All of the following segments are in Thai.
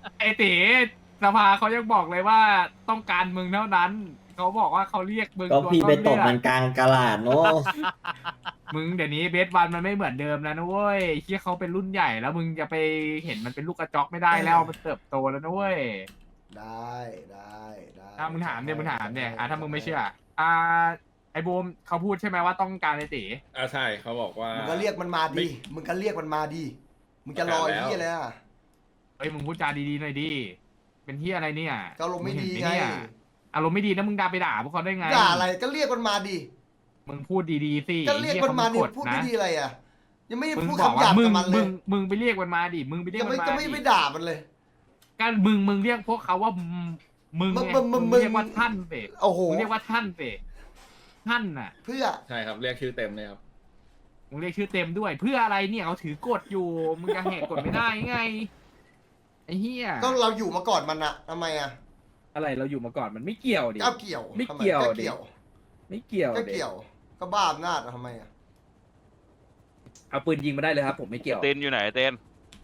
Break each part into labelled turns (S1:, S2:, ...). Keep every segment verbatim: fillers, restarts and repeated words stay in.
S1: ไอตีสภาเขายังบอกเลยว่าต้องการมึงเท่านั้นเขาบอกว่าเขาเรียกมึง
S2: ก็
S1: ตัว
S2: พี่
S1: ต้
S2: ไป
S1: น
S2: ต
S1: เรื่
S2: บ
S1: อง
S2: มันกลางกะลาดเนาะ
S1: มึงเดี๋ยวนี้เบสวันมันไม่เหมือนเดิมแล้วนะเว้ยที่เขาเป็นรุ่นใหญ่แล้วมึงจะไปเห็นมันเป็นลูกกระจอกไม่ได้แล้วมันเติบโตแล้วนะเว้ย
S3: ได้ได้ได้
S1: ถ้ามึงถามเนี่ยมึงถามเนี่ย
S3: จัดให้
S1: อ่ะถ้ามึงไม่
S3: จัดให้
S1: เชื่ออ่าไอ้บูมเขาพูดใช่ไหมว่าต้องการไอ้ตี
S4: อ่าใช่เขาบอกว่า
S3: มึงก็เรียกมันมา
S4: ไม่
S3: ดิมึงก็เรียกมันมาดิมึงจะรอ
S4: ประกาศแล้ว
S3: ที่อะไรอ่ะ
S1: เฮ้ยมึงพูดจาดีๆหน่อยดิเป็นที่อะไรเนี่ย
S3: ก็ลมณ์ไม่ดี
S1: งเห็น
S3: ไง
S1: หเนี่ยอารมณ์ไม่ดีนะมึงด่าไปด่าพวกเขาได้ไง
S3: ด่าอะไรก็เรียกมันมาดิ
S1: มึงพูดดีๆสิ
S3: ก็เรียกมันมาดิ
S1: ไอ้เหี้ย
S3: พูด
S1: เขา
S3: ไม่
S1: ก
S3: ดีอะไรอ่ะยังไม่ได้
S1: มึง
S3: พูด
S1: บอก
S3: คำหา
S1: ว่ายมึ
S3: บ
S1: ง
S3: กับมันเล
S1: มึ
S3: ย
S1: งมึงไปเรียกมันมาดิมึงไปเรีย
S3: ยั
S1: ก
S3: ง
S1: มั
S3: ไม่
S1: นมา
S3: ก็ไม่
S1: ดิ
S3: ไม่ด่ามันเลย
S1: การมึงมึงเรียกพวกเขาว่ามึงมึง
S3: มึง
S1: ไง
S3: มึงมึ
S1: มึ
S3: ง
S1: ง
S3: มึง
S1: เรียกว่าท่านเส
S3: โอ้โห
S1: มึงเรียกว่าท่านเสท่านน่ะ
S3: เพื่อ
S4: ใช่ครับเรียกชื่อเต็มเลยครับ
S1: มึงเรียกชื่อเต็มด้วย เพื่ออะไรเนี่ยเขาถือกฎอยู่มึงจะแหกกฎไม่ได้ไงไอ้เหี้ย
S3: ก็เราอยู่มาก่อนมันอะทำไมอะ
S5: อะไรเราอยู่มาก่อนมันไม่เกี่ยวดิ
S3: เอาเกี่ยว
S5: ไม่
S3: ทำ
S5: เกี่ยว
S3: ก็
S5: ดิ
S3: เกี่ยว
S5: ไม่เกี่ยว
S3: ก็
S5: ดิ
S3: เกี่ยว ก็บ้าอำนาจอะทำไมอะ
S5: เอาปืนยิงมาได้เลยครับ ผมไม่เกี่ยว
S6: เต้นอยู่ไหนเต้น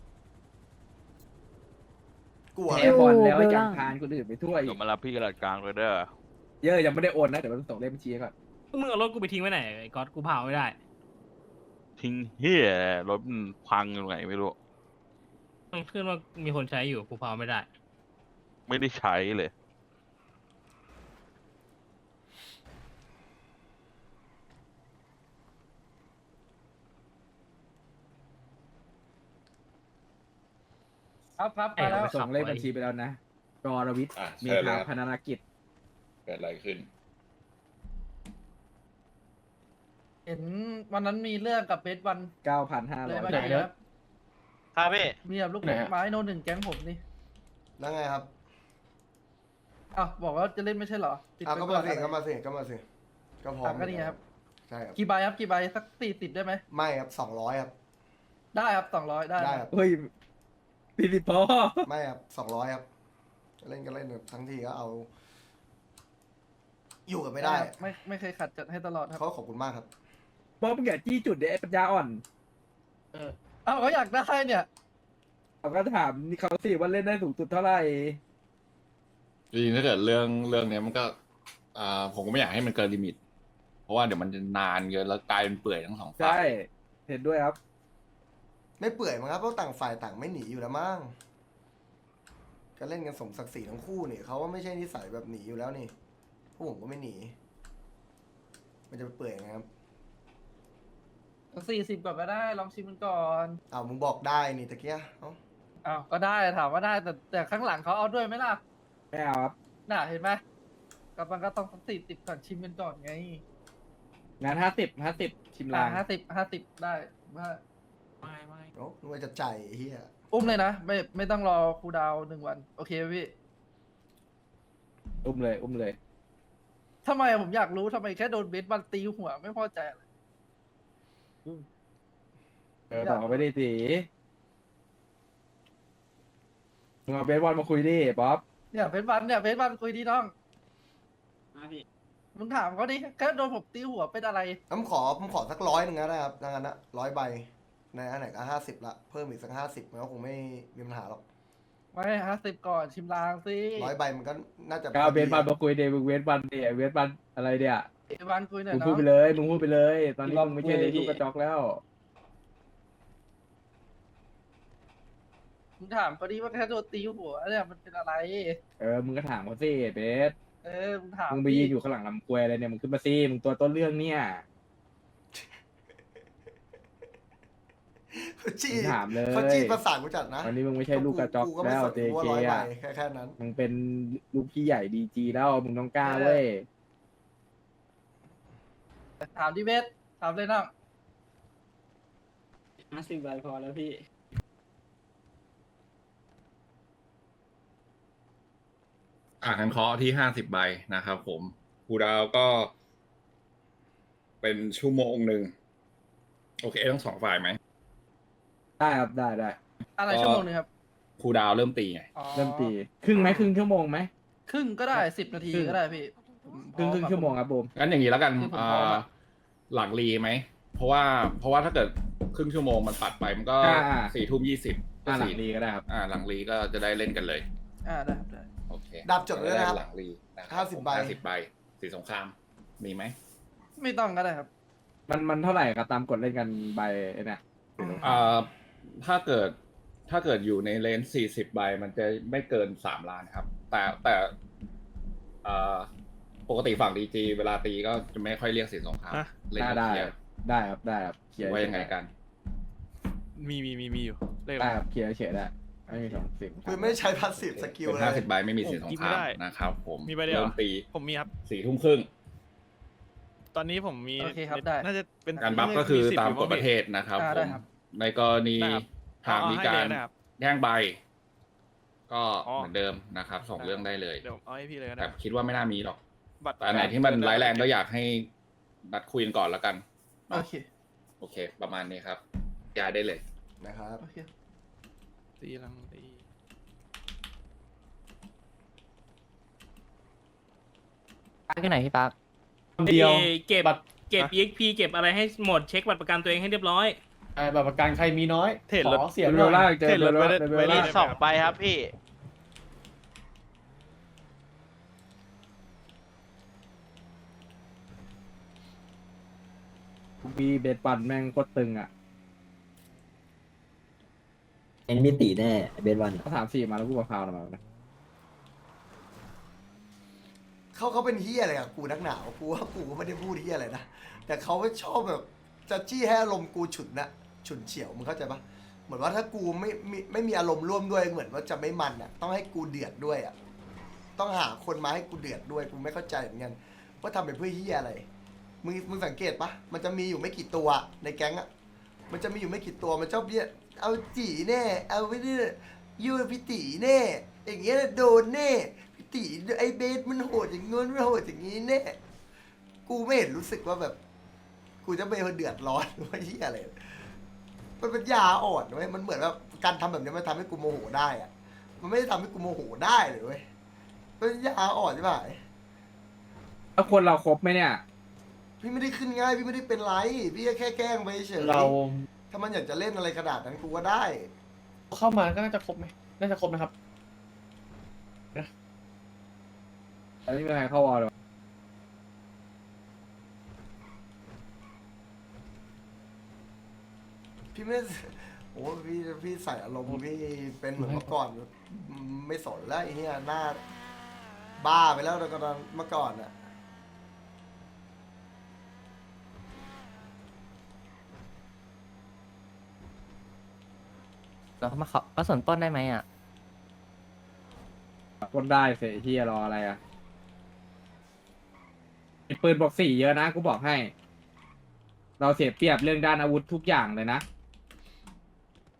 S3: กลัว
S5: แพ้บอลแล้วยังพานคนอื่นไปทั่วอี
S6: เดี๋ย
S5: ก
S6: วมารับพี่กระดาษกลางเลยเด้อ
S5: เยอะยังไม่ได้โอนนะเดี๋ยวมันส่งเลขบัญชีให้ก่อน
S7: มึงเอารถกูไปทิ้งไว้ไหนไอ้ก๊อตกูเผาไม่ได้
S6: ทิ้งเฮียรถมันพังอยู่ไหนไม่รู้
S7: มันขึ้นว่ามีคนใช้อยู่กูเผาไม่ได้
S6: ไม่ได้ใช้เลย
S8: ครับครับ
S7: เอ้
S8: มาย แล้ว
S5: ส่งเลขบัญชีไปแล้วนะรอรวิทย์
S4: อ่ะ
S5: มี
S4: เชิญเล
S5: ทาง
S4: ย
S5: พนานากิจ
S4: เกิดอะไรขึ้น
S8: เห็นวันนั้นมีเรื่องกับเบสวัน
S5: เก้าพันห้า
S8: เล
S5: ร้อย ย
S8: มา
S7: ไหน
S8: ดี
S7: เด้อ
S8: ครับ
S7: ครับพี่
S8: มีแบบลูก
S7: ไหนฮะ
S8: ไม้โนหนึ่งแก๊งผมนี่
S3: แล้วไงครับ
S8: อ้าวบอกว่าจะเล่นไม่ใช่เหรอติด
S3: อ่ะ
S8: ไป
S3: ก็
S8: ก่
S3: มา
S8: อน
S3: สิ
S8: อะไร
S3: ก็มาสิก็มาสิก็พร้อ
S8: อ่ะ
S3: ม
S8: ก็นี่ไงครับ
S3: ใช่ครับ
S8: กี่ใบครับกี่ใบสักสี่สิบได้ไหม
S3: ไม่ครับสองร้อยครับ
S8: ได้ครับสองร้อยได้
S3: ได้ครับ
S5: เฮ้ยพี่สิพอ
S3: ไม่ครับสองร้อยครับเล่นก็เล่นทั้งทีก็เอา อยู่กันไม่ได้
S8: ครับไม่ไม่เคยขัดจัดให้ตลอดครับ
S3: เขาขอบคุณมากครับ
S5: บอกมึงอย่าจี้จุดเดี๋ยวไอ้ปัญญาอ่อน
S8: อ้าวเขาอยากได้เนี่ย
S5: เขาก็ถามนี่เขาสิว่าเล่นได้สูงสุดเท่าไหร่
S4: จริงๆถ้าเกิดเรื่องเรื่องเนี้ยมันก็อ่าผมก็ไม่อยากให้มันเกินลิมิต เพราะว่าเดี๋ยวมันจะนานเกินแล้วกลายเป็นเปื่อยทั้งสองฝ่า
S5: ใช่
S4: ย
S5: เห็นด้วยครับ
S3: ไม่เปื่อยมั้งครับเพราะต่างฝ่ายต่างไม่หนีอยู่แล้วมั้งก็เล่นกันสมศักดิ์ศรีทั้งคู่นี่เขาว่าไม่ใช่นิสัยแบบหนีอยู่แล้วนี่พวกผมก็ไม่หนี มันจะไปเปื่อยไงครับ
S8: สี่สิบก่อนก็ได้ลองชิมมันก่อน
S3: อ้าวมึงบอกได้นี่ตะเกียเอ้า
S8: อ้าวก็ได้ถามว่าได้แต่แต่ข้างหลังเขาเอาด้วยไหมล่ะ
S5: ไม่เอาครับ
S8: น่ะเห็นไหมก็มันก็ต้องสี่สิบก่อนชิมกันก่อนไง
S5: งานห้าสิบห้าสิบชิมลาง
S8: ห้าสิบห้าสิบได้ว่า
S1: ไม่ไม่
S3: โอ้นึกว่าจะใจไอ้เฮีย
S8: อุ้มเลยนะไม่ไม่ต้องรอครูดาวหนึ่งวันโอเคไหมพี่
S5: อุ้มเลยอุ้มเลย
S8: ทำไมอะผมอยากรู้ทำไมแค่โดนเบสบันตีหัวไม่พอใจอะไร
S5: เออต่อไปได้สิมึงเอาเบสบอลมาคุยดิป๊อป
S8: เนี่ยเบสบันเนี่ยเบสบันคุยดีน้องมึงถามเขาดิแค่โดนผมตีหัวเป็นอะไร
S3: ผมขอผมขอสักร้อยหนึ่งก็ได้ครับดังนั้นนะร้อยใบในอันไหนก็ห้าสิบละเพิ่มอีกสักห้าสิบมันก็คงไม่มีปัญหาหรอก
S8: ไม่ห้าสิบก่อนชิมลางสิ
S3: ร้อยใบมันก็น่าจะ
S5: ก็เอาเบสบอลมาคุยเดมึงเวสบอลเดเวสบอลอะไรเดีย
S8: เบสบันคุยหน่อย
S5: มึง
S8: น้
S5: พู
S8: อ
S5: ด
S8: ง
S5: ไปเลยมึงพูดไปเลย ตอนนี้มึงไม่ใช่ลูกกระจอกแล้ว
S8: มึงถามเขาดิว่าแค่โดนตีหัวเนี่ยมันเป็นอะไร
S5: เออมึงก็ถามเขาสิเบส
S8: เออมึงถาม
S5: มึงไปยืนอยู่ข้างหลังลำกล้วยอะไรเนี่ยมึงขึ้นมาสิมึงตัวต้นเรื่องเนี่ย
S3: เขาจี้
S5: มึงถามเลย
S3: เขาจี้ประสานกูจัดนะ
S5: วันนี้มึงไม่ใช่ลูกกระจอก
S3: ก็ไม่
S5: แล้ว
S3: สน
S5: เจ
S3: กูว่า
S5: เค
S3: ร้อยใบ
S5: อ่ะ
S3: แค่แค่นั้น
S5: มึงเป็นลูกพี่ใหญ่ดีจีแล้วมึงต้องกล้าเว้ย
S8: ถามดิเบสถามเลยน้อง
S7: ห้าสิบใบพอแล้วพี่
S4: อ่าคันเคาะที่ห้าสิบใบนะครับผมครูดาวก็ เป็นชั่วโมงหนึ่งโอเคทั้งสองฝ่ายไหม
S5: ได้ครับได้ได้
S8: อะไร
S4: ก็
S8: ชั่วโมงหนึงครับ
S4: ครูดาวเริ่มตีไง
S8: อ๋อ
S5: เริ่มตีครึ่งไหมครึ่งชั่วโมงไหม
S8: ครึ่งก็ได้สิบนาที
S5: ครึ่ง
S8: ก็ได้พี่ผม
S5: ครึ่งครึ่ง
S8: พร้อ
S5: ชั่วโมงครับบูม
S4: งั้นอย่างนี้แล้วกัน
S8: คือผม
S4: อ่
S8: พร้อม
S4: า
S8: อะ
S4: หลังรีไหม เพราะว่าเพราะว่าถ้าเกิดครึ่งชั่วโมงมันปัดไปมันก็
S5: อ่าอ่า
S4: สี่ทุ่มยี่สิบ
S5: อ่าหลังรีก็ได้ครับ
S4: อ่าหลังรีก็จะได้เล่นกันเลย
S8: อ่าได้ครับได้
S4: โอเค
S3: ดาบจดไว้ด้วยนะครับ
S4: หลังรีนะครั
S3: ห้าสิบใบ
S4: ห้าสิบใบสีสงครามมีไหม
S8: ไม่ต้องก็ได้ครับ
S5: มันมันเท่าไหร่ก็ตามกฎเล่นกันใบไอ้เนี่ย
S4: อ่าถ้าเกิดถ้าเกิดอยู่ในเลนส์สี่สิบใบมันจะไม่เกินสามล้านครับ แต่แต่อ่าปกติฝั่งดีจีเวลาตีก็จะไม่ค่อยเรียกสีสงคราม
S6: ฮะ
S4: เล่น
S5: ได้
S4: กัน
S5: ได้
S4: เคลียร์
S5: ได้ครับได้ครับเคลียร์
S4: ว่ายังไงกัน
S6: มีมีมีมีอยู่เลขอะ
S5: ได้
S6: ไร
S5: ครับเคลียร์เฉยๆได้ไม่มีสองสิ่ง
S3: คือไม่ใช้พาสซีฟสกิล
S4: เป็น
S3: เล
S4: ห้าย สิบใบไม่มีสีสง
S6: โอ้กิน
S4: ค
S6: ไม่
S4: ราม
S6: ได้
S4: นะครับผม
S6: มีใบเดียวเหรอ
S4: ริ่ตี
S6: ผมมีครับ
S4: สี่ทุ่มครึ่ง
S6: ตอนนี้ผมมี
S8: โอเคครับได้
S6: น่าจะเป็น
S4: การบัฟก็คือ
S6: สิบ
S4: ตาม
S6: ยู่
S4: กฎประเทศนะครับ
S8: อ่า
S4: ผ
S8: ได้
S4: ม
S8: ครับ
S4: ในกรณี
S6: ได้ครับ
S4: หากมีการ
S6: เอาให้เลยนะครับ
S4: แย่งใบ ก็
S6: อ๋อ
S4: เหมือนเดิมนะครับส่งเรื่องได้เลย
S6: เดี๋ยวเอาให้พี่เลยก็
S4: แต่
S6: ได้
S4: คิดว่าไม่น่ามีหรอก
S6: บัตร
S4: แต่อันไหนที่มันร้ายแรงก็อยากให้นัดคุยกันก่อนแล้วกัน
S8: โอเค
S4: โอเค ประมาณนี้ครับย้ายได้เลย
S3: นะครับ
S8: โอเค
S6: ตีลังตี
S2: ปักที่ไหนพี่ปัก
S9: เดียว
S7: เก็บ
S9: บัตร
S7: เก็บ อี เอ็กซ์ พี เก็บอะไรให้หมดเช็คบัตรประกันตัวเองให้เรียบร้อย
S9: เอ่อบัตรประกันใครมีน้อย
S6: เทรดรถ
S9: ขอเสียง
S5: เบ
S9: หน่
S5: ลล่า
S9: อย
S5: เจอ
S6: เทรด
S5: เบ
S6: ร
S5: ล
S6: ถ
S5: ล่า
S6: ไว้ได้
S5: เบล
S6: ไว้ได้
S5: ล่า
S6: ไหม
S2: สองใบครับพี่
S5: มีเบสปันแม่งโคตรตึงอ่ะ
S10: เอ็นมีตีแน่เบสวัน
S5: เขาถามสี่มาแล้วกูกับพาวมานะ
S3: เขาเขาเป็นเฮียอะไรกับกูนักหนาวกูว่ากูก็ไม่ได้พูดเฮียอะไรนะแต่เขาไม่ชอบแบบจะจี้ให้อารมณ์กูฉุนนะฉุนเฉียวมึงเข้าใจปะเหมือนว่าถ้ากูไม่ไม่ไม่มีอารมณ์ร่วมด้วยเหมือนว่าจะไม่มันอ่ะต้องให้กูเดือดด้วยอ่ะต้องหาคนมาให้กูเดือดด้วยกูไม่เข้าใจเหมือนกันว่าทำไปเพื่อเฮียอะไรมึงมึงสังเกตปะมันจะมีอยู่ไม่กี่ตัวในแก๊งอ่ะมันจะมีอยู่ไม่กี่ตัวมันชอบเนี่ยเอาจีแน่เอาไปเนี่ยยูพิตีแน่อย่างเงี้ยโดนแน่พิตีไอเบสมันโหดอย่างงี้มันโหดอย่างงี้แน่กูไม่เห็นรู้สึกว่าแบบ กูจะไปเดือดร้อนหรือว่าที่อะไร มันเป็นยาอ่อนเว้ยมันเหมือนว่าการทำแบบนี้มันทำให้กูโมโหได้อะมันไม่ได้ทำให้กูโมโหได้เลยเว้ยมันเป็นยาอ่อนใช่ไหม
S5: แล้วคนเราครบไหมเนี่ย
S3: พี่ไม่ได้ขึ้นง่ายพี่ไม่ได้เป็นไรพี่แค่แกล้งไปเฉย
S9: เรา
S3: ถ้ามันอยากจะเล่นอะไรขนาดนั้นกูก็ได้
S9: เข้ามาก็น่าจะครบไหมน่าจะครบนะครับ
S5: แต่ไม่มีใครเข้าวอลเลย
S3: พี่ไม่โอ้พี่พี่ใส่อารมณ์พี่เป็นเหมือนเมื่อก่อนไม่สนแล้วไอ้เหี้ยหน้าบ้าไปแล้วตอนเมื่อก่อนอะ
S2: เรามาขอก็ส่วนปล้นได้ไหมอ่ะ
S5: คนได้เสียที่รออะไรอ่ะมีปืนบอกสี่เยอะนะกูบอกให้ เราเสียเปรียบเรื่องด้านอาวุธทุกอย่างเลยนะ